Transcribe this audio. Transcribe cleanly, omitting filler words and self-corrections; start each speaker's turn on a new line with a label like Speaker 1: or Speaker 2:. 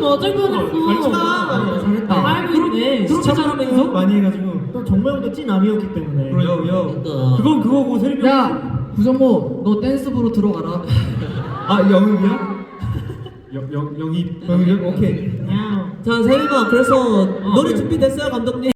Speaker 1: 어쩔 뻔했어.
Speaker 2: 잘했다.
Speaker 1: 알고 있네.
Speaker 2: 시청하면서
Speaker 3: 많이 해가지고 또 정모 형도 찐남이었기 때문에.
Speaker 2: 그건 그거고 세림이 야 구정모 너 댄스부로 들어가라.
Speaker 3: 아 영입이야?
Speaker 2: 영입
Speaker 3: 영입 오케이.
Speaker 1: 자, 세림아, 그래서 노래 준비됐어요, 감독님?